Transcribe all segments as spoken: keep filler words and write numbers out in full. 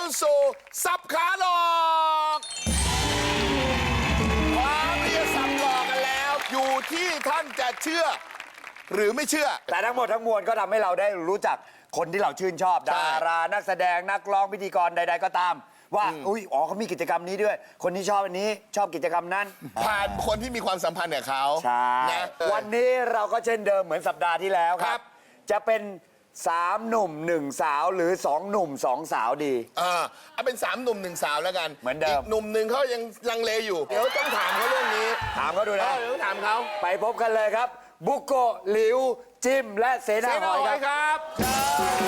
สู่สับขาหลอกความที่จะสับหลอกกันแล้ว อยู่ที่ท่านจะเชื่อ หรือไม่เชื่อแต่ทั้งหมดทั้งมวลก็ทำให้เราได้รู้จักคนที่เราชื่นชอบใช่ดารานักแสดงนักร้องพิธีกรใด ๆ ก็ตาม ว่าอุ้ยอ๋อเขามีกิจกรรมนี้ด้วย คนที่ชอบอันนี้ชอบกิจกรรมนั้นผ่านคนที่มีความสัมพันธ์กับเขาใช่นะเออวันนี้เราก็เช่นเดิมเหมือนสัปดาห์ที่แล้วคครัรับบจะเป็นสามหนุ่มหนึ่งสาวหรือสองหนุ่มสองสาวดีเออเอาเป็นสามหนุ่มหนึ่งสาวแล้วกันเหมือนเดิมกหนุ่มหนึ่งเขายังลังเลอยู่ เดี๋ยวต้องถามเขาเรื่องนี้ถามเขาดูเอนะอเดี๋ยวต้องถามเขาไปพบกันเลยครับ บุโกะหลิว จิม และเสเซนาหนาอยหคอรัยบครับเชิ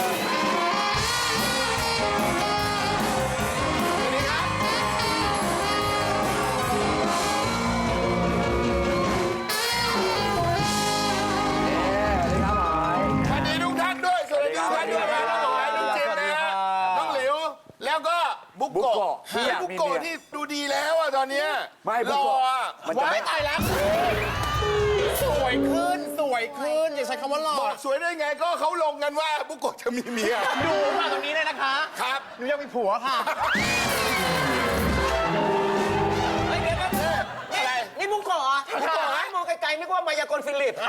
ญสวัสดีครับสวัสดีทุกท่านด้วย สวัสดีทุกท่านด้วยนะน้องหอยน้องจิมนะฮะน้องหลิว แล้วก็บุบุโกะโกะที่อยากบุมีโกะเมียที่ดูดีแล้วอะตอนเนี้ยไม่บุรอโกะอะมันจะไม่ว้ายตายแล้วสวยขึ้นสวยขึ้นอย่าใช้คำว่าหล่อบอกสวยได้ไงก็เขาลงกันว่าบุโกะจะมีเมียดูมาตรงนี้เลยนะคะครับหนูยังมีผัวค่ะเฮ้ยเดี๋ยวนะอะไรนี่มุกโกะเหรอมุกโกะฮะมองไกลๆนึกว่ามายากลฟิลิป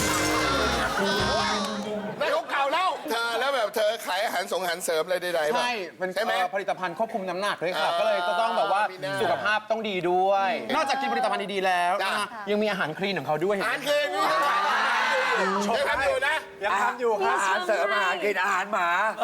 ในของเก่าแล้ว เธอแล้วแบบเธอขายอาหารส่งอาหารเสริมอะไรใดๆป่ะใช่เป็นใช่ไหมเอ่อผลิตภัณฑ์ควบคุมน้ำหนักด้วยค่ะอ่าก็เลยก็ต้องแบบว่ามีหน้าสุขภาพต้องดีด้วย นอกจากกินผลิตภัณฑ์ดีๆแล้วจ้ะนะคะยังมีอาหารคลีนของเขาด้วยอาหารเค็มยังทำอยู่นะยังทำอยู่ครับอาหารเสริมอาหารกินอาหารหมา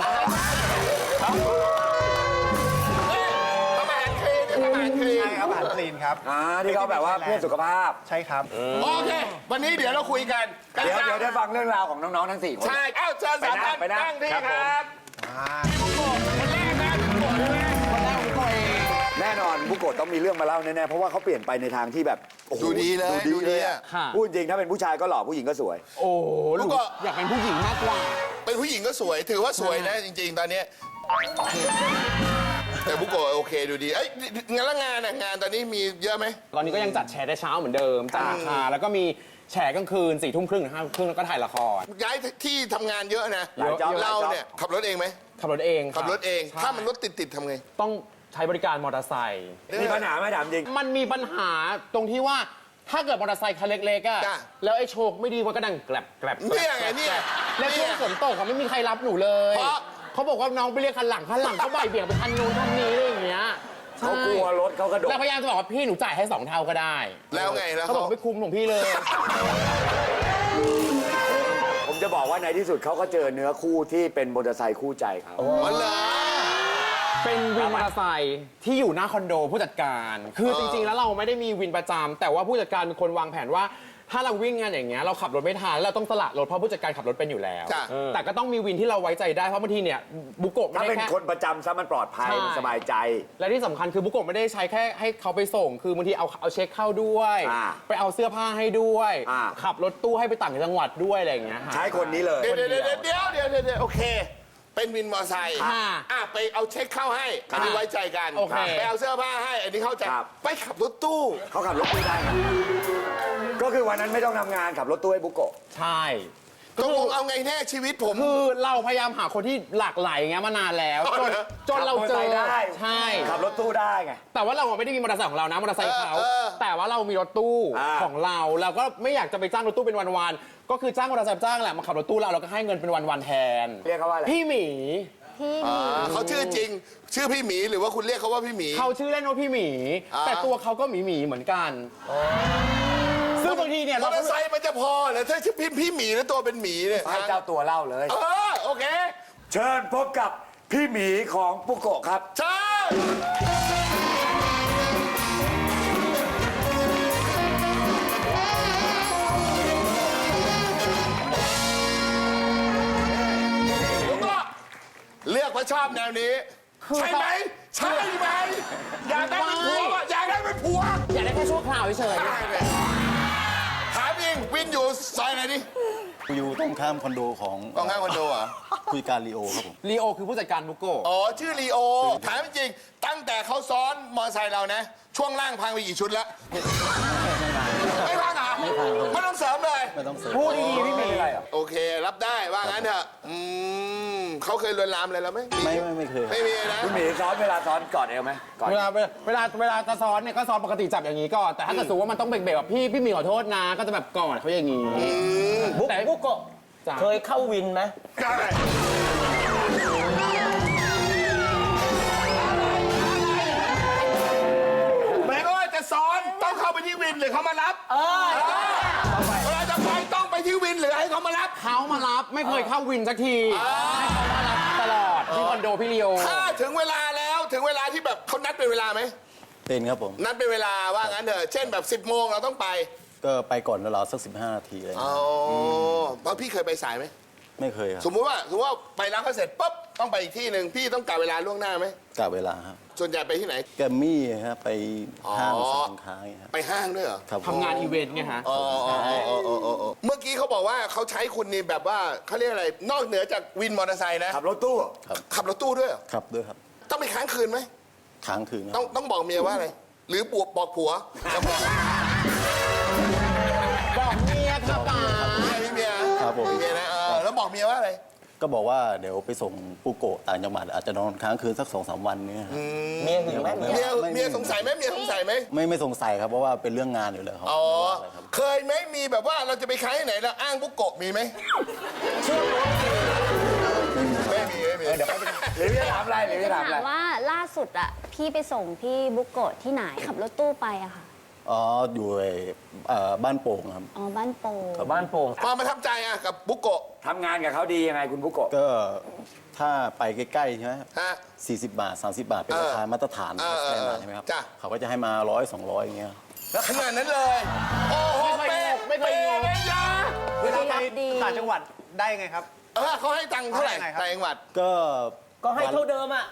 ทำอาหารคลีนทำอาหารคลีนครับอาหารคลีนครับอ่าที่เขาแบบว่าเพื่อสุขภาพใช่ครับโอเค วันนี้เดี๋ยวเราคุยกันเดี๋ยวเดี๋ยวได้ฟังเรื่องราวของน้อง ๆ ทั้งสี่คนใช่ เอ้าเชิญสามท่านไปนั่งนั่งที่ครับคผมรับคนแรกนะบุโกะใช่ไหมคนแรกมุกโกะเองแน่นอนบุโกะต้องมีเรื่องมาเล่าแน่ๆเพราะว่าเขาเปลี่ยนไปในทางที่แบบโอ้โหดูดีเลยดูดีเลยอะอะค่ะพูดจริงถ้าเป็นผู้ชายก็หล่อผู้หญิงก็สวยโอ้โหมุกโกะอยากเป็นผู้หญิงมากกว่าเป็นผู้หญิงก็สวย ถือว่าสวยนะจริง ๆ ตอนเนี้ยแต่บุโกะโอเคดูดี เอ้ยงานละงานอะงานตอนนี้มีเยอะไหมตอนนี้ก็ยังจัดแชร์ได้เช้าเหมือนเดิมจัดราคาแล้วก็มีแชร์กลางคืนสี่ทุ่มครึ่งถึงห้าทุ่มครึ่งแล้วก็ถ่ายละครย้ายที่ทำงานเยอะนะหลายจ็อบเราหลายจ็อบเนี่ยขับรถเองไหมขับรถเองขับรถเองใช่ถ้ามันรถติดๆทำไงต้องใช้บริการมอเตอร์ไซค์มีปัญหาไหมถามจริงมันมีปัญหาตรงที่ว่าถ้าเกิดมอเตอร์ไซค์คันเล็กๆอะจ้ะแล้วไอ้โชคไม่ดีมันก็ดังแกลบแกลบแกลบเนี่ยไงเนี่ยแล้วช่วงฝนตกอะไม่มีใครรับหนูเลยเพราะเขาบอกว่าน้องไปเรียกคันหลังคันหลังเขาบ่ายเบี่ยงไปคันนู้นคันนี้อะไรอย่างเงี้ยเขากลัวรถเขากระโดดแล้วพยายามจะบอกว่าพี่หนูจ่ายให้สองเท่าก็ได้แล้วไงแล้วเขาบอกไม่คุ้มของพี่เลยผมจะบอกว่าในที่สุดเขาก็เจอเนื้อคู่ที่เป็นมอเตอร์ไซค์คู่ใจเขามันเหรอเป็นวินมอเตอร์ไซค์ที่อยู่หน้าคอนโดผู้จัดการ คือเออจริงๆ แล้วเราไม่ได้มีวินประจำแต่ว่าผู้จัดการเป็นคนวางแผนว่า ถ้าเราวิ่งงานอย่างเงี้ยเราขับรถไม่ทันเราต้องสละรถเพราะผู้จัดการขับรถเป็นอยู่แล้วจ้ะเออแต่ก็ต้องมีวินที่เราไว้ใจได้เพราะบางทีเนี่ยบุโกะไม่ถ้าได้เป็นแค่คนประจำซะมันปลอดภัยใช่มันสบายใจและที่สำคัญคือบุโกะไม่ได้ใช้แค่ให้เขาไปส่ง คือบางทีเอาเอาเช็คเข้าด้วยอ่าไปเอาเสื้อผ้าให้ด้วยอ่าขับรถตู้ให้ไปต่างจังหวัดด้วยอะไรอย่างเงี้ยค่ะใช้คนนี้เลยเดี๋ยวเดี๋ยวเดี๋ยวเดี๋ยวเดี๋ยวเดี๋ยวเดี๋ยวโอเค เป็นวินมอไซค์ค่ะอ่ะไปเอาเช็คเข้าให้ อันนี้ไว้ใจกันโอเคไปเอาเสื้อผ้าให้ อันนี้เข้าใจ ไปขับรถตู้เขาขับรถตู้ได้ครับก็คือวันนั้นไม่ต้องทำงานขับรถตู้ให้บุโกะใช่ตกลงเอาไงแน่ชีวิตผมคือเราพยายามหาคนที่หลากหลายอย่างเงี้ยมานานแล้ว จนจนเราเจอขับมอเตอร์ไซค์ได้ใช่ขับรถตู้ได้ไงแต่ว่าเราไม่ได้มีมอเตอร์ไซค์ของเรานะมอเตอร์ไซค์เขาเออเออแต่ว่าเรามีรถตู้อ่าของเราเราก็ไม่อยากจะไปจ้างรถตู้เป็นวันๆก็คือจ้างมอเตอร์ไซค์จ้างแหละมาขับรถตู้เราเราก็ให้เงินเป็นวันๆแทนเรียกเขาว่าอะไรพี่หมีอ่าเขาชื่อจริง ชื่อพี่หมีหรือว่าคุณเรียกเขาว่าพี่หมีเขาชื่อเล่นว่าพี่หมีอ่าแต่ตัวเขาก็หมีหมีๆเหมือนกันซึ่งบางทีเนี่ยมอเราเตอก็ร์ไซค์มันจะพอเหรอถ้าชื่อพี่พี่หมีแล้วตัวเป็นหมีเนี่ยให้เจ้าตัวเล่าเลยเออโอเคเชิญพบกับพี่หมีของบุโกะครับใช่แล้วก็เลือกว่าชอบแนวนี้ ใช่ไหมใช่ไหมอยากได้เป็นผัววะอยากได้เป็นผัวอยากได้แค่ชั่วคราวเฉยได้เลยถามจริงวินอยู่ซอยไหนดิอยู่ตรงข้ามคอนโดของกองข้างคอนโดเหรอคุยการลีโอครับผมลีโอคือผู้จัดการบุโกะอ๋อ ชื่อลีโอ ถามจริง ตั้งแต่เขาซ้อนมอเตอร์ไซค์เรานะ ช่วงล่างพังไปกี่ชุดแล้ว ไม่พังเหรอไม่ต้องเสริมเลยไม่ต้องเสริมพูดดีๆพี่หมีโอเค รับได้ว่างั้นเถอะอืมเขาเคยลวนลามอะไรเราไหมไม่ไม่ไม่เคยครับไม่มีนะพี่หมีซ้อนอนเวลาซ้อนกอดเอวไหมกอดเวลาเวลาเวลาเวลาจะซ้อนเนี่ยก็ซ้อนปกติจับอย่างนี้ก่อนแต่ถ้าเกิดสมมติว่ามันต้องเบรกๆแบบพี่พี่หมีขอโทษนะ ก็จะแบบกอดเขาอย่างนี้บุ๊กแต่บุ๊กโกะจ้ะเคยเข้าวินไหมหมายก็ว่าจะซ้อนต้องเข้าไปที่วินหรือเขามารับเออเวลาจะไปต้องไปที่วินหรือให้เขามารับเขามารับไม่เคยเข้าวินสักทีให้เขามารับตลอดที่คอนโดพี่เลียวถ้าถึงเวลาแล้วถึงเวลาที่แบบเขานัดเป็นเวลาไหมเป็นครับผมนัดเป็นเวลาว่างั้นเถอะเช่นแบบ สิบโมงเราต้องไปก็ไปก่อนเวลาสักสิบห้านาทีอะไรอ๋อเพราะพี่เคยไปสายไหมไม่เคยครับสมมุติว่าสมมติว่าไปร้านเขาเสร็จปุ๊บต้องไปอีกที่หนึ่งพี่ต้องกะเวลาล่วงหน้าไหมกะเวลาครับส่วนใหญ่ไปที่ไหนแกมมี่ฮะไปห้างอ๋อสรรพสินค้าอย่างเงี้ยครับไปห้างด้วยเหรอครับผมทำงานอีเวนต์ไงฮะอ๋ออ๋ออ๋ออ๋ออ๋ออ๋อเมื่อกี้เขาบอกว่าเขาใช้คุณนี่แบบว่าเขาเรียกอะไรนอกเหนือจากวินมอเตอร์ไซค์นะขับรถตู้ขับรถตู้ด้วยเหรอครับด้วยครับต้องไปค้างคืนไหมค้างคืนคต้รัองบต้องบอกเมียว่าอะไรหรือปวกบอกผัวจะบอกบอกเมียค่ะป๋าเมียพี่เมียครับผมพี่เมียนะเออแล้วบอกเมียว่าอะไรก็บอกว่าเดี๋ยวไปส่งปูโกะต่างจังหวัดอาจจะนอนค้างคืนสักสองสามวันเนี้ยครับเมียหึงไหมไม่เมียไม่เมียสงสัยไหมเมียสงสัยไหมไม่ไม่สงสัยครับเพราะว่าเป็นเรื่องงานอยู่แล้วครับอ๋อไม่ว่าอะไรครับเคยไหมมีแบบว่าเราจะไปค้างที่ไหนแล้วอ้างบุกโกะมีไหมไม่มีไม่มีเดี๋ยวเขาจะหรือจะถามอะไรหรือจะถามอะไรถามว่าล่าสุดอะพี่ไปส่งพี่บุกโกะที่ไหนขับรถตู้ไปอะค่ะอ๋ออยู่ไอ้เอ่อบ้านโป่งครับอ๋อบ้านโป่งบ้านโป่งความประทับใจอะกับบุกโกะทำงานกับเขาดียังไงคุณบุกโกะก็ถ้าไปใกล้ๆใช่ไหมฮะสี่สิบบาทสามสิบบาทเป็นราคามาตรฐานเออเออแน่นอนใช่ไหมครับจ้ะเขาก็จะให้มาร้อยสองร้อยอย่างเงี้ยแล้วขนาดนั้นเลย โอ้โหไม่เคยเป๊ะไม่เคยเป๊ะเลยยาเวลาไปต่างจังหวัดได้ไงครับเออเขาให้ตังค์เท่าไหร่ให้ไงครับต่างจังหวัดก็ก็ให้เท่าเดิมอ่ะ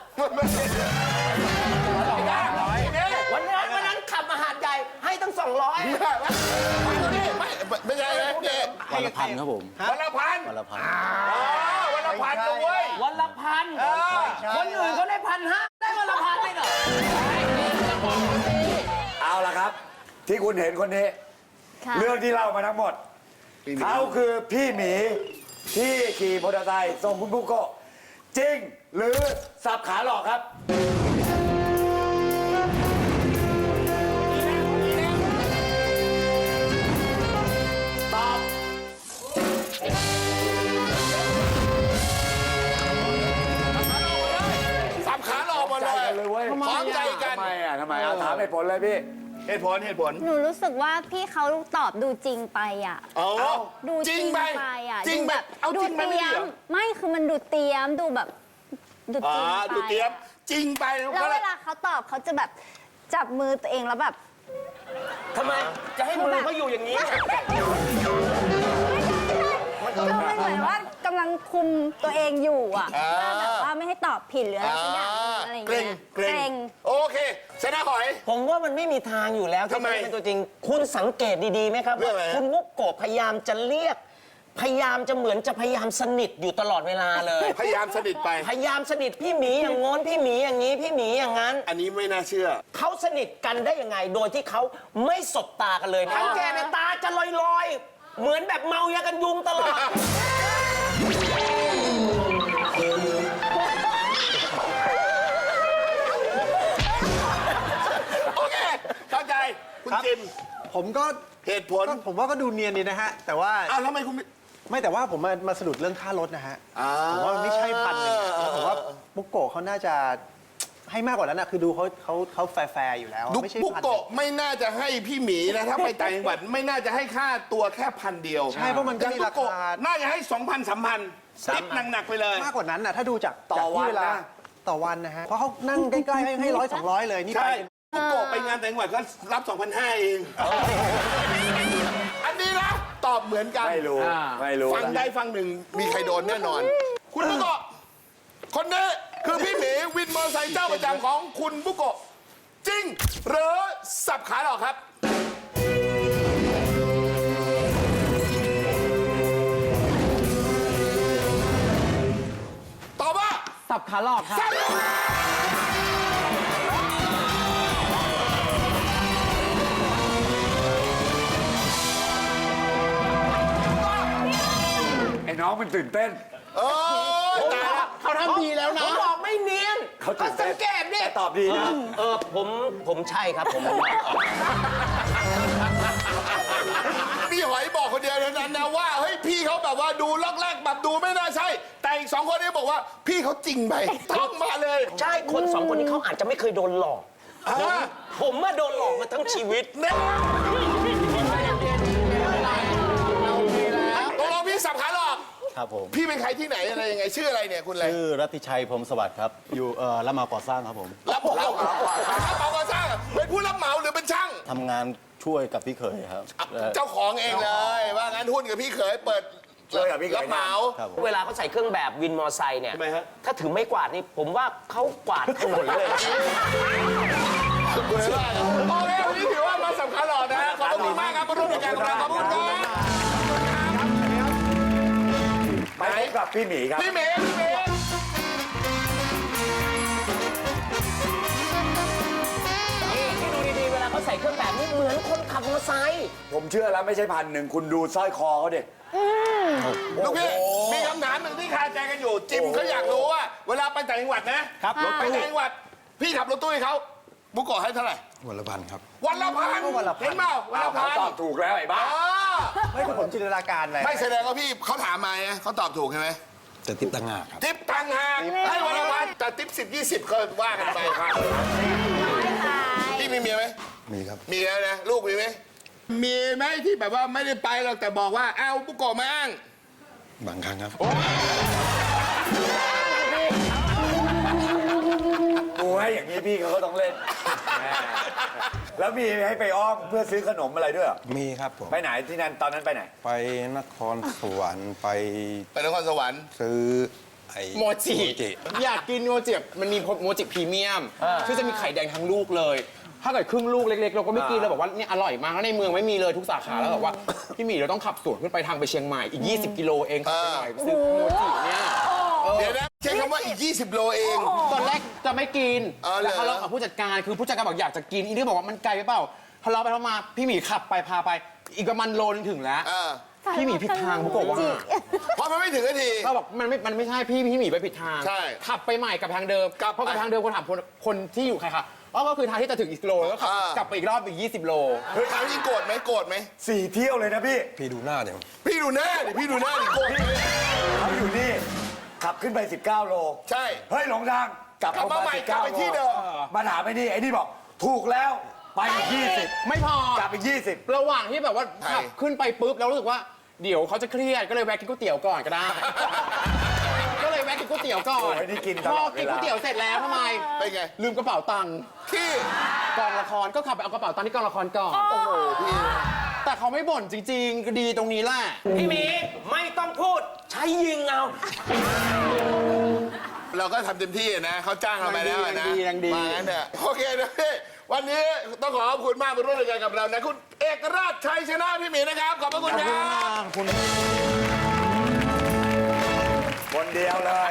วันนั้นวันนั้นขับมาหาดใหญ่ให้ตั้งสองร้อยไม่ไม่ใช่นะเนี่ยวันละพันครับผมวันละพันวันละพันอ๋อวันละพันด้วยวันละพันคนอื่นเขาได้พันห้าได้วันละพันเลยเหรอเอาละครับ ที่คุณเห็นคนนี้ค่ะเรื่องที่เล่ามาทั้งหมด เขาคือพี่หมีที่ขี่มอเตอร์ไซค์ส่งคุณบุกโกะจริง หรือสับขาหลอกครับ ตอบสับขาหลอกหมดใจเลยกันเลยเว้ยพร้อมใจกันทำไมอ่ะทำไมเอาถามเหตุผลเลยพี่เหตุผลเหตุผลหนูรู้สึกว่าพี่เขาตอบดูจริงไปอะอ๋อดูจริงไปอะจริงดูแบแบบ บเอาดูจริงไปเตไม่รีดียเหรมอไม่คือมันดูเตรียมดูแบบดูจอ๋อริงไปดูเตรียม จริงไปแล้วเวลาเขาตอบเขาจะแบบจับมือตัวเองแล้วแบบทำไม จะให้มือเขาอยู่อย่างนี้คือมันเหมือนว่ากำลังคุมตัวเองอยู่อ่ะว่าแบบว่าไม่ให้ตอบผิดหรืออะไรสักอย่างหนึ่งอะไรอย่างเกรเงี้งยเกรงโอเคชนะหอยผมว่ามันไม่มีทางอยู่แล้วที่ทำไมจะเป็นตัวจริง คุณสังเกตดีๆไหมครับเรื่องอะไรฮะคุณมุกโกะพยายามจะเรียก พยายามจะเหมือนจะพยายามสนิทอยู่ตลอดเวลาเลยพยายามสนิทไปพยายามสนิทพี่หมีอย่างง้นพี่หมีอย่างนี้พี่หมีอย่างนั้นอันนี้ไม่น่าเชื่อเขาสนิทกันได้ยังไง โดยที่เขาไม่สบตากันเลยทั้งแกในตาจะลอยๆ เหมือนแบบเมายากันยุงตลอดโอเค เข้าใจ คุณจิมผมก็เหตุผลก็ผมว่าก็ดูเนียนดีนะฮะ แต่ว่าอ้าวแล้วทำไมคุณไม่ไม่แต่ว่าผมมามาสะดุดเรื่องค่ารถนะฮะอ่าผมว่ามันไม่ใช่พันหนึ่งอะแล้วผมว่าบุกโกะเขาน่าจะให้มากกว่านั้นนะคือดูเขาเขาเขาแฟร์ๆอยู่แล้วดุไม่ใช่บุกพันหนึ่โกะงไม่น่าจะให้พี่หมีนะ ถ้าไปต่างจังหวัดไม่น่าจะให้ค่าตัวแค่พันเดียวใช่เพราะมันก็มีราคาน่าจะให้สองพันสามพันติปหนักๆไปเลยมากกว่านั้นนะถ้าดูจากต่อจากที่วันเวลานะต่อวันนะฮะเพราะเขานั่งใกล้ๆให้ให้ร้อยสองร้อยเลยนี่ไปใช่เป็นบุกโกะไปงานต่างจังหวัดก็รับสองพันห้าเอง อันนี้นะ ตอบเหมือนกันไม่รู้ ไม่รู้ฟังได้ฟังหนึ่งมีใครโดนแน่นอน คุณบุกโกะคนนี้คือพี่หมีวินมอเตอร์ไซค์เจ้าประจำของคุณบุกโกะจริง หรือสับขาหลอกครับ ตอบว่าสับขาหลอกค่ะสับไอ้น้องมันตื่นเต้นเออตายละเขาทำดีแล้วนะผมบอกไม่เนียนเขาตื่นเต้นสังเกตดิตอบดีนะเออผมผมใช่ครับผมพี่หอยบอกคนเดียวเท่านั้นนะว่าเฮ้ยพี่เขาแบบว่าดูลอกแรกแบบดูไม่น่าใช่ แต่อีกสองคนนี้บอกว่าพี่เขาจริงไปท่องมาเลยใช่คนสองคนนี้เขาอาจจะไม่เคยโดนหลอกอ่าผมมาโดนหลอกมาทั้งชีวิตเนี่ยตกลงพี่สับขาหลอกครับผมพี่เป็นใครที่ไหนอะไรยังไงชื่ออะไรเนี่ยคุณอะไรชื่อรัตติชัยพรหมสวัสดิ์ครับ อยู่เอ่อรับเหมาก่อสร้างครับผมรับเหมารับเหมาก่อสร้างเป็นผู้รับเหมาหรือเป็นช่างทำงานช่วยกับพี่เขยครับเอ่อเจ้าของเองเลย ว่างั้นหุ้นกับพี่เขยเปิดช่วยกับพี่เขยรับเหมาครับผมเวลาเขาใส่เครื่องแบบวินมอไซค์เนี่ยถ้าถือไม่กวาดนี่ผมว่าเขากวาดถนนเลยโอเควันนี้ถือว่ามาสำคัญหลอดนะฮะขอบคุณมากครับมาร่วมรายการของเราขอบคุณครับไปพบกับพี่หมีครับพี่เมย์พี่เมย์นี่ที่ดูดีๆ เวลาเขาใส่เครื่องแบบนี่เหมือนคนขับมอเตอร์ไซค์ผมเชื่อแล้วไม่ใช่พันหนึ่งคุณดูสร้อยคอเขาดิลูกพี่มีคำถามหนึ่งที่คาใจกันอยู่ จิมเขาอยากรู้ว่า เวลาไปต่างจังหวัดนะครับรถไปต่างจังหวัด พี่ขับรถตู้ให้เขาบุกโกะให้เท่าไหร่วันละพันครับวันละพันวันละพันเห็นเปล่าวันละพันตอบถูกแล้วไอ้บ้าอ๋อไม่คือผมจินตนาการเลยไม่แสดงว่าพี่เขาถามมาไงเขาตอบถูกใช่ไหมจะติดต่างหากครับทิปตังหากให้วันละพันแต่ทิปสิบยี่สิบก็ว่ากันไปครับพี่มีเมียไหมมีครับมีแล้วนะ ลูกมีไหมมีไหมที่แบบว่าไม่ได้ไปหรอกแต่บอกว่าเอาบุกโกะมาอ้างบางครั้งครับกูให้อย่างนี้พี่เขาก็ต้องเล่น แล้วมีให้ไปอ้อมเพื่อซื้อขนมอะไรด้วยเหรอมีครับผมไปไหนที่นั่นตอนนั้นไปไหนไปนครสวรรค์ไปไปนครสวรรค์ซื้อไอ้โมจิ อยากกินโมจิมันมีโมจิพรีเมียมที่จะมีไข่แดงทั้งลูกเลย ถ้าเกิดครึ่งลูกเล็กๆ เราก็ไม่กินเราบอกว่าเนี่ยอร่อยมากแล้วในเมืองไม่มีเลยทุกสาขาแล้วบอกว่า พี่หมีเราต้องขับสวนขึ้นไปทางไปเชียงใหม่อีก ยี่สิบ กิโลเองขับไปหน่อยซื้อโมจิเนี่ยเดี๋ยวนะใช้คำว่าอีก ยี่สิบ โลเองตอนแรกจะไม่กินอ๋อเหรอแต่ทะเลาะกับผู้จัดการคือผู้จัดการบอกอยากจะกินอีนี่บอกว่ามันไกลไปเปล่าทะเลาะไปทะเลาะมาพี่หมีขับไปพาไปอีกประมาณโลนึงถึงแล้วเออพี่หมีผิดทางผมบอกว่าเพราะมันไม่ถึงนาทีเราบอกมันไม่ มันไม่ใช่พี่พี่หมีไปผิดทางใช่ขับไปใหม่กับทางเดิมกลับไปเพราะกับทางเดิมคนถามคนคนที่อยู่ใครคะอ๋อก็คือทางที่จะถึงอีกโลแล้วก็ขับอ่ากลับไปอีกรอบอีกยี่สิบโลเฮ้ยถามจริงโกรธไหมโกรธไหมสี่เที่ยวเลยนะพี่พี่ดูหน้าเนี่ยพี่ดูหน้าดิพี่ดูหน้าดิโกรธไหมเขาอยู่นี่ ขับขึ้นไป สิบเก้า โลใช่เฮ้ยหลงทาง กลับกลับมาใหม่กลับไปที่เดิมมาถามไอ้นี่ไอ้นี่บอก ถูกแล้ว ไปอีกยี่สิบไม่พอกลับอีกยี่สิบระหว่างที่แบบว่าใช่ขับขึ้นไปปุ๊บแล้วรู้สึกว่าเดี๋ยวเขาจะเครียดก็เลยแวะกินก๋วยเตี๋ยวก่อนก็ได้ ก็เลยแวะกินก๋วยเตี๋ยวก่อนโอ้ยนี่กินตพลออดเวกินลาก๋วยเตี๋ยวเสร็จแล้วทำไมเป็นไงลืมกระเป๋าตังค์ที่กองละครก็ขับไปเอากระเป๋าตังค์ที่กองละครก่อนโอ้โหพี่แต่เขาไม่บ่นจริงๆก็ดีตรงนี้แหละพี่หมีไม่ต้องพูดใช้ยิงเอาเราก็ทำเต็มที่นะเขาจ้างเราไปแล้วอะนะยังดียังดีมางั้นเถอะโอเคนะพี่วันนี้ต้องขอขอบคุณมากมาร่วมรายการกับเรานะคุณเอกราชชัยชนะพี่หมีนะครับ ขอบพระคุณครับคุณคนเดียวเลย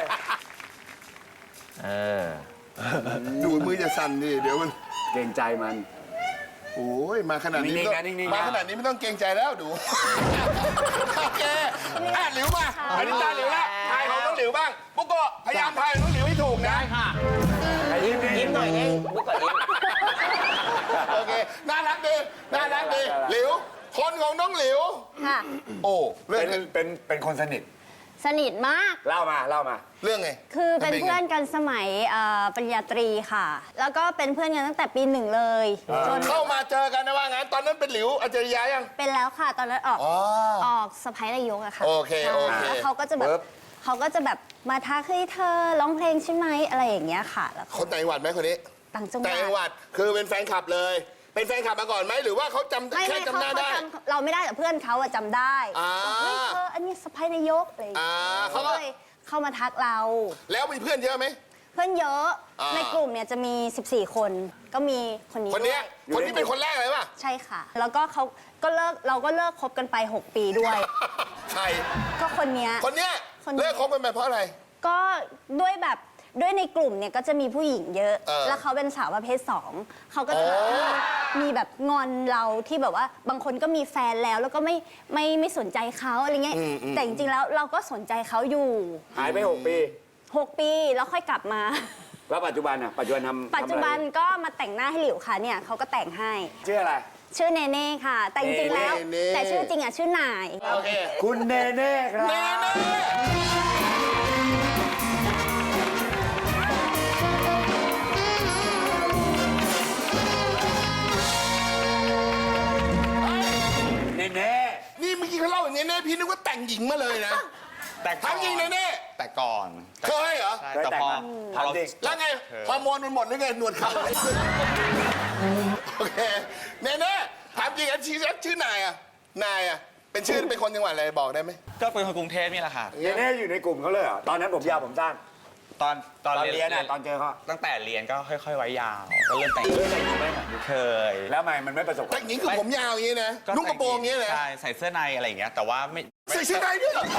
ดูมือจะสั่นดิเดี๋ยวมันเกรงใจมันโอ้ยมาขนาดนี้นิ่งๆไม่นะต้องนิ่งๆนะมาขนาดนี้ไม่ต้องเกรงใจแล้วดู โอเคอ่ะหลิวมาอันนี้ตาหลิวแล้วทายของน้องหลิวบ้างปุ๊กโกะพยายามทายของน้องหลิวให้ถูกนะได้ค่ะยิ้มยิ้มหน่อยเองบุ๊กก่อนยิ้มโอเคน่ารักดีน่ารักดีหลิวคนของน้องหลิวค่ะโอ้เรื่องเป็นเป็นเป็นคนสนิทสนิทมากเล่ามาเล่ามาเรื่องไงคือเป็นมัไงเพื่อนกันสมัยเอ่อปริญญาตรีค่ะ แล้วก็เป็นเพื่อนกันตั้งแต่ปีหนึ่งเลยจนเข้ามาเจอกันนะว่างั้นตอนนั้นเป็นหลิวอาจารยายังเป็นแล้วค่ะ ตอนนั้นออกอ๋อออกสะพ้ายนายกอะค่ะโอเคโอเคแล้วเขาก็จะแบบปึ๊บเขาก็จะแบบมาทักเฮ้ยเธอร้องเพลงใช่ไหมอะไรอย่างเงี้ยค่ะ แล้วคนต่างจังหวัดไหมคนนี้ต่างจังหต่างจังหวัวัดดคือเป็นแฟนคลับเลย เป็นแฟนคลับมาก่อนไหมหรือว่าเขาจำไม่แค่ไม่จำเขาหน้าเขาได้จำเราไม่ได้แต่เพื่อนเขาอะจำได้อ่าบอกเฮ้ยเธออันนี้สะพ้ายนายกอะไรอย่างอ่าเงี้ยเขาก็ก็เลยเข้ามาทักเราแล้วมีเพื่อนเยอะไหมเพื่อนเยอะอ่าในกลุ่มเนี่ยจะมี สิบสี่ คน ก็มีคนนี้คนเนี้ยด้วยคนที่เป็นคนแรกเลยป่ะใช่ค่ะ แล้วก็เขาก็เลิกเราก็เลิกคบกันไป หก ปีด้วยใครก็คนเนี้ยคนเนี้ยคนเนี้ยเลิกคบกันไปเพราะอะไรก็ด้วยแบบด้วยในกลุ่มเนี่ยก็จะมีผู้หญิงเยอะเออแล้วเขาเป็นสาวประเภทสองเขาก็จะแบบอ๋อมีแบบงอนเราที่แบบว่าบางคนก็มีแฟนแล้วแล้วก็ไม่ไม่ไม่สนใจเขาอะไรเงี้ยแต่จริงๆแล้วเราก็สนใจเขาอยู่หายไปหกปีหก ปีแล้วค่อยกลับมาแล้วปัจจุบันอ่ะปัจจุบันทำปัจจุบันก็มาแต่งหน้าให้หลิวค่ะเนี่ยเขาก็แต่งให้ชื่ออะไรชื่อเนเน่ค่ะ แต่จริงๆแล้วเนเน่แต่ชื่อจริงอ่ะชื่อนายโอเคคุณเนเน่ครับเนเน่เนเน่นี่เมื่อกี้เขาเล่าอย่างนี้เน่พี่นึกว่าแต่งหญิงมาเลยนะแต่ก่อนทำจริงเนเน่แต่ก่อนเคยเหรอใช่เคยแต่แต่งพอมาพอเราทำจริงแล้วไงฮอร์โมนมันหมดหรือไงหนวดเขาโอเคเนเน่ถามจริงอันชื่อชื่อนายอะนายอะเป็นชื่อเป็นคนจังหวัดอะไรบอกได้ไหมก็เป็นคนกรุงเทพนี่แหละค่ะเนเน่อยู่ในกลุ่มเขาเลยเหรอตอนนั้นผมยาวผมสั้นตอนตอนตอนเรียนเรียนอ่ะตอนเจอเขาตั้งแต่เรียนก็ค่อย ๆ ไว้ยาว ก็เริ่มแต่งเคยแต่งไหมเคยแล้วทำไมมันไม่ประสบความแต่งหญิงคือผมยาวอย่างนี้นะก็นุ่งกระโปรงอย่างนี้นะใช่ใส่เสื้อในอะไรอย่างเงี้ยแต่ว่าไม่ใส่เสื้อในด้วยเหรอ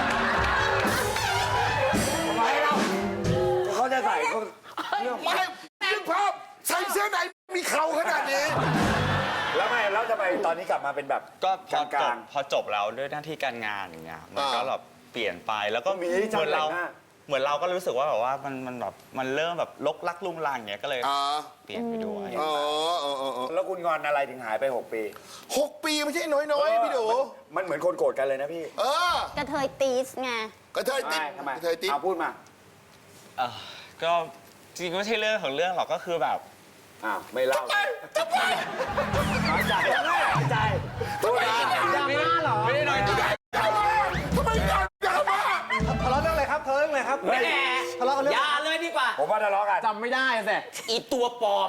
ทำไมเราเขาจะใส่เขาไม่นึกภาพใส่เสื้อในมีเข่าขนาดนี้แล้วไม่แล้วทำไมตอนนี้กลับมาเป็นแบบก็พอจกลาบงพอจบแล้วด้วยหน้าที่การงานอย่างเงี้ยมันอ่าก็แบบเปลี่ยนไปแล้วก็มีเหช่างมือนเราแต่งหน้าเหมือนเราก็รู้สึกว่าแบบว่ามันมันแบบมันเริ่มแบบลกลักลุงลังอย่างเงี้ยก็เลยอ๋อเปลี่ยนไปด้วยอ๋ออ๋ออ๋อๆแล้วคุณงอนอะไรถึงหายไปหกปีหกปีไม่ใช่น้อยๆพี่ดูมันเหมือนคนโกรธกันเลยนะพี่เออกระเทยตีสไงกระเทยติ๊บทำไมกระเทยติ๊บเอาพูดมาเอ่อก็จริงๆก็ไม่ใช่เรื่องของเรื่องหรอกก็คือแบบอ้าวไม่เล่าไปจะไปน้อยใจน้อยใจพูดมาดราม่าเหรอไม่ได้น้อยใจทำไมกันดราม่าทะเลาะเรื่องอะไรครับทะเลาะเรื่องอะไรครับแหมทะเลาะกันเรื่องอย่าเลยดีกว่าผมว่าทะเลาะกันจำไม่ได้สิอีตัวปลอม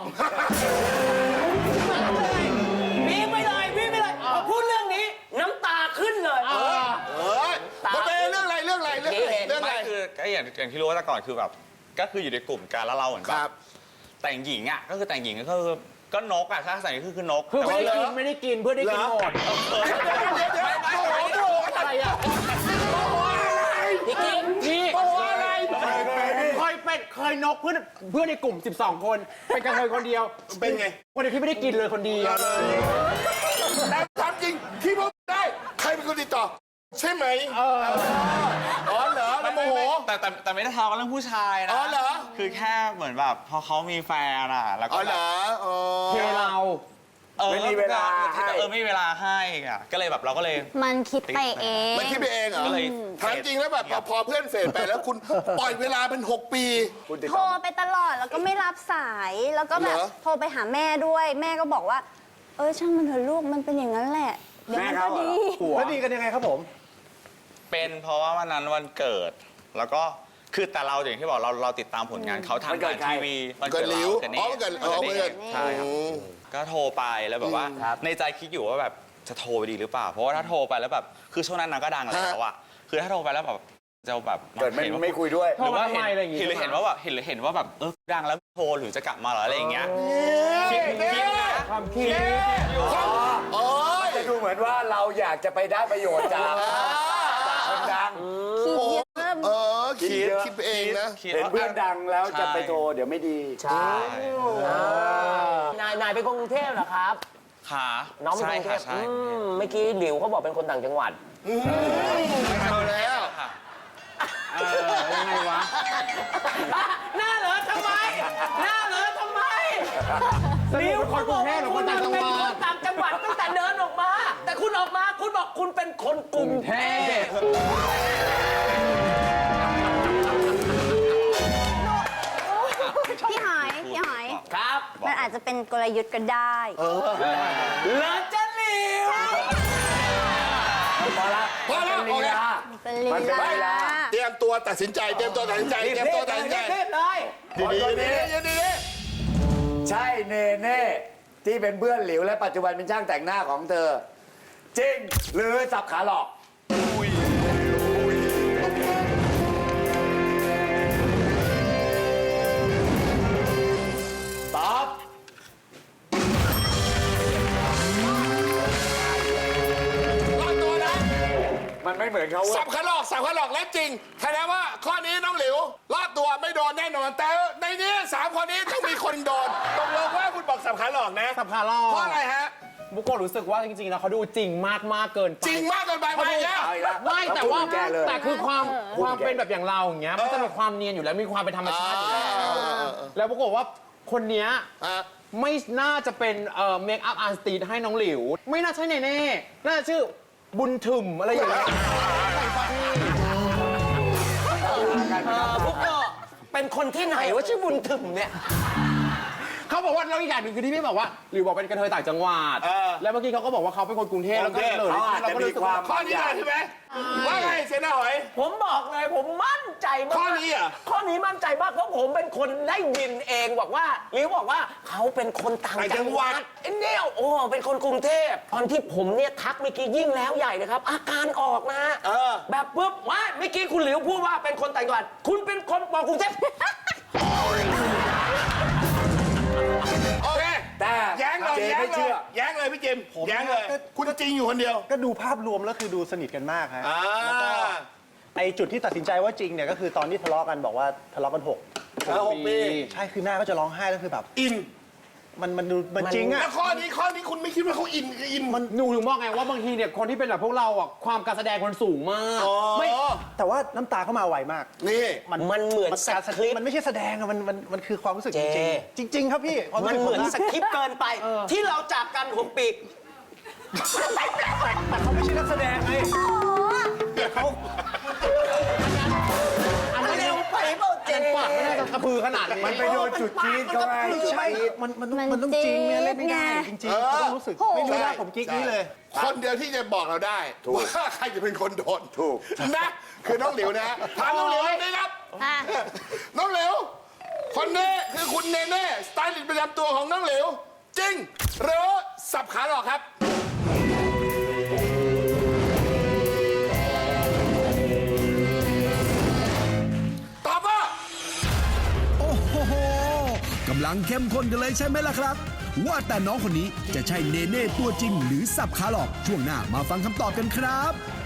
วิ่งไปเลยวิ่งไปเลยพอพูดเรื่องนี้ น้ำตาขึ้นเลยเอ้ยมันเป็นเรื่องอะไรเรื่องอะไรเรื่องอะไรเรื่องอะไรไม่คือก็อย่างอย่างที่รู้ว่าแต่ก่อนคือแบบก็คืออยู่ในกลุ่มกันแล้วเราเหมือนคแบรับบ แต่งหญิงอ่ะก็คือแต่งหญิงก็คือก็นกอ่ะถ้าใส่ก็คือคือนกคือแต่ไม่ว่าได้กินไม่ได้กินเพื่อได้กินหมดเดี๋ยวเดี๋ยวเดี๋ยวเดี๋ยวโอ้โหโอ้โหอะไรอ่ะพี่กิ๊กนี่โอ้โหอะไรเคยเป็นเคยนกเพื่อนเพื่อนในกลุ่ม สิบสอง คน เป็นกระเทยคนเดียวเป็นไงคนเดียวที่ไม่ได้กินเลยคนเดียวแต่ถามจริงที่พูดได้ ใครเป็นคนติดต่อ ใช่ไหมเอออ๋อเหรอแล้วโมโหแต่แต่แต่ไม่ได้ทะเลาะกันเรื่องผู้ชายนะอ๋อเหรอคือแค่เหมือนแบบพอเขามีแฟนอ่ะแล้วอ๋ก็อเหแบรบออ๋อเทเราเออไม่มีเวลาให้เออไม่มีเวลาให้อ่ะก็เลยแบบเราก็เลยมันคิดไปเองมันคิดไปเองเหรอก็เลยถามจริงแล้วแบบพอพอเพื่อนเฟดไปแล้วคุณปล่อยเวลาเป็นหกปีคุณติดโทรต่อไปตลอดแล้วก็ไม่รับสาย แล้วก็แบบเหรอโทรไปหาแม่ด้วย แม่ก็บอกว่า เออช่างมันเถอะลูกมันเป็นอย่างนั้นแหละ เดี๋ยวมันก็ดีแล้วดีกันยังไงครับผมเป็นเพราะว่าวันนั้นวันเกิด แล้วก็คือแต่เราอย่างที่บอกเราเราติดตามผลงานเขาทางวันเกิดทางใครทีวีวันเกิเกิดดลิ้วเราอ๋อวันเกิดอ๋อวันเกิดใช่ครับอืมก็โทรไปแล้วแบบว่า ในใจคิดอยู่ว่าแบบจะโทรไปดีหรือเปล่า เพราะว่าถ้าโทรไปแล้วแบบคือช่วงนั้นนางก็ดังแล้วอะคือถ้าโทรไปแล้วแบบจะแบบเกิดไม่ห็นว่าไม่คุยด้วยหรือว่าโทรมาทำไมอะไรอย่างงี้เห็นหรือเห็นว่าแบบเห็นหรือเห็นว่าแบบเออดังแล้วโทรหรือจะกลับมาเหรออะไรอย่างเงี้ยคิดคิดความคิดโอ้ยจะดูเหมือนว่าเราอยากจะไปได้ประโยชน์จากคนดังคิดเยอะเออคิดคิดเยอะคิดไปเองนะคิดเห็นว่าเพื่อนดังแล้วจะไปโทรเดี๋ยวไม่ดีใช่นายนายเป็นคนกรุงเทพเหรอครับขาน้องเป็นใช่คนกรุงเทค่ะพใช่อืมเมื่อกี้หลิวเขาบอกเป็นคนต่างจังหวัดเอาแล้วค่ะเออยังไงวะหน้าเหรอทำไม หน้าเหรอทำไมสรุปเป็นคนกรุงเทพหรือคนต่างจังหวัดคุณเป็นคนต่างจังหวัดตั้งแต่เดินออกมา แต่คุณออกมาคุณบอกคุณเป็นคนกรุงเทพพี่หอยพี่หอยครับมันอาจจะเป็นกลยุทธ์ก็ได้เหลือจะหลิวพอละพอแล้วมันเป็นลีลาเป็นลีมันเป็นลีลาลาเตรียมตัวตัดสินใจ เตรียมตัวตัดสินใจ เตรียมตัวตัดสินใจเทพเลยดีดีดีดีดีใช่เนเน่ที่เป็นเพื่อนหลิวและปัจจุบันเป็นช่างแต่งหน้าของเธอ จริงหรือสับขาหลอกตอบรอดตัวนะมันไม่เหมือนเขาเว้สัยบขาหลอกสับขาหลอกและจริงแสดงว่าข้อนี้น้องหลิวรอดตัวไม่โดนแน่นอน แต่ในนี้สามคนนี้ต้องมีคนโดนตกลงว่าคุณบอกสับขาหลอกนะสับขาหลอกเพราะอะไรฮะบุโกะรู้สึกว่าจริงๆแล้วเขาดูจริงมากมากๆเกินไปจริงมากเกินไปไหมเนี่ยเอาอีกแล้วไม่แต่ว่าพูดแก้เลยแต่คือความพูดความแก้เป็นแบบอย่างเราอย่างเงี้ยมันจะมีความเนียนอยู่แล้วมีความเป็นธรรมชาติอยู่แล้วแล้วปรากฏว่าคนเนี้ยอ่ะไม่น่าจะเป็นเอ่อเมคอัพอาร์ติสให้น้องหลิว ไม่น่าใช่แน่ๆน่าจะชื่อบุญถึมอะไรอย่างเงี้ยเออพวกก็เป็นคนที่ไหนว่าชื่อบุญถึงเนี่ยเขาบอกว่าแล้วอีกอย่างหนึ่งคือที่พี่บอกว่าหลิวบอกเป็นกระเทยต่างจังหวัดเออแล้วเมื่อกี้เขาก็บอกว่าเขาเป็นคนกรุงเทพแล้วก็เลยเขาอาจจะมีความข้อนี้เลยใช่ไหมว่าไงเซนาหอยผมบอกเลยผมมั่นใจมากข้อนี้เหรอข้อนี้มั่นใจมากเพราะผมเป็นคนได้ยินเองบอกว่าหรือบอกว่าเขาเป็นคนต่างจังหวัดไอ้เนี่ยโอ้เป็นคนกรุงเทพตอนที่ผมเนี่ยทักเมื่อกี้ยิ่งแล้วใหญ่เลยครับ อาการออกนะเออแบบปุ๊บว่าเมื่อกี้คุณหลิวพูดว่าเป็นคนต่างจังหวัดคุณเป็นคนบอกกรุงเทพโอเคแต่แย้งเลยเจแย้งไม่เลเชื่ยอแย้งเลยพี่จิมแย้งเลย คุณจริงอยู่คนเดียวก็ดูภาพรวมแล้วคือดูสนิทกันมากฮะอ่าไอจุดที่ตัดสินใจว่าจริงเนี่ยก็คือตอนที่ทะเลาะกันบอกว่าทะเลาะกันหกแล้วหกปีใช่คือหน้าก็จะร้องไห้แล้วคือแบบอินมันมันดูมันจริงอะแล้วข้อนี้ข้อนี้คุณไม่คิดว่าเขาอินอินมันหนูถึงบอกไงว่าบางทีเนี่ยคนที่เป็นแบบพวกเราอ่ะความการแสดงมันสูงมากไม่แต่ว่าน้ำตาเข้ามาไวมากนี่มันเหมือนสการคริปต์มันไม่ใช่แสดงอะมันมันมันคือความรู้สึกเจจริงๆจริง ๆ ครับพี่ความรู้มันสึกเหมือนผะสคริปต์เกินไป ที่เราจากกันหกปีแต่เขาไม่ใช่นักแสดงไงเขาอันเร็วไปเปล่าเจปากไม่น่าจะกระพือขนาดนี้มันไปโดนจุดจี๊ดเขาไงจุดใช่จี๊ดมันมันมันมันต้องจริงเนี่ยเล่นไม่ได้จริงจริงๆเขาต้องรู้สึกโอ้โหไม่รู้นะผมกิ๊กนี้เลยคนเดียวที่จะบอกเราได้ว่าใครจะเป็นคนโดนถูกนะคือน้องหลิวนะถามน้องหลิวนี่ครับอ่ะน้องหลิวคนนี้คือคุณเนเน่สไตลิสต์ประจำตัวของน้องหลิวจริงหรือสับขาหลอกครับ ตอบว่าโอ้โหกำลังเข้มข้นกันเลยใช่ไหมล่ะครับ ว่าแต่น้องคนนี้จะใช่เนเน่ตัวจริงหรือสับขาหลอกช่วงหน้ามาฟังคำตอบกันครับ